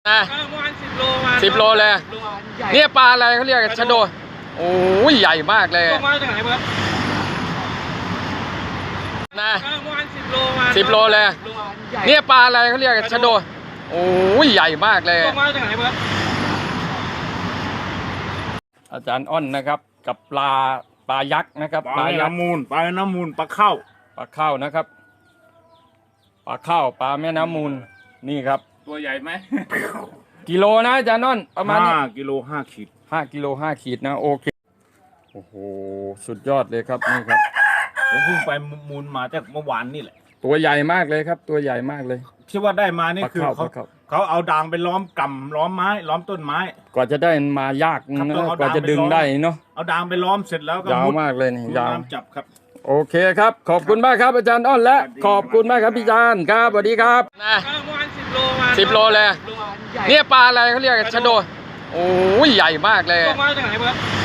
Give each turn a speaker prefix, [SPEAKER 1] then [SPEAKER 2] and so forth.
[SPEAKER 1] นะ10 โลเลยเนี่ยปลาอะไรเขาเรียกชะโดโอ้ยใหญ่มากเลย
[SPEAKER 2] มาจากไหนเบิร์ด
[SPEAKER 1] นะ10 โลเลยเนี่ยปลาอะไรเขาเรียกชะโดโอ้ยใหญ่มากเลย
[SPEAKER 2] มาจากไหนเบิร์ด
[SPEAKER 1] อาจารย์อ้อนนะครับกับปลายักษ์นะครับ
[SPEAKER 3] ปลาน้ำมูลปลาเข้า
[SPEAKER 1] นะครับปลาเข้าปลาแม่น้ำมูลนี่ครับ
[SPEAKER 3] ตัวใหญ่ไหม
[SPEAKER 1] กิโลนะอาจารย์อ้อนประมาณ
[SPEAKER 3] 5 กิโล 5 ขีด
[SPEAKER 1] 5 กิโล 5 ขีดนะโอเคโอ้โหสุดยอดเลยครับนี่ครับ
[SPEAKER 3] ผมเพิ่งไปมูลมาจากเมื่อวานนี่แหละ
[SPEAKER 1] ตัวใหญ่มากเลยครับตัวใหญ่มากเลย
[SPEAKER 3] ที่ว่าได้มานี่คือเขาเอาด่างไปล้อมกำล้อมไม้ล้อมต้นไม้
[SPEAKER 1] กว่าจะได้มายากนะกว่าจะดึงได้เนาะ
[SPEAKER 3] เอาด่างไปล้อมเสร็จแล้วก็
[SPEAKER 1] ยาวมากเลยนี่ยาว
[SPEAKER 3] จับครับ
[SPEAKER 1] โอเคครับขอบคุณมากครับอาจารย์อ้อนและขอบคุณมากครับพี่จานครับสวัสดีครับนะ10 โลเลยเนี่ยปลาอะไรเขาเรียกชะโดโอ้ยใหญ่มากเลย
[SPEAKER 2] มาจากไหนเบิร์ด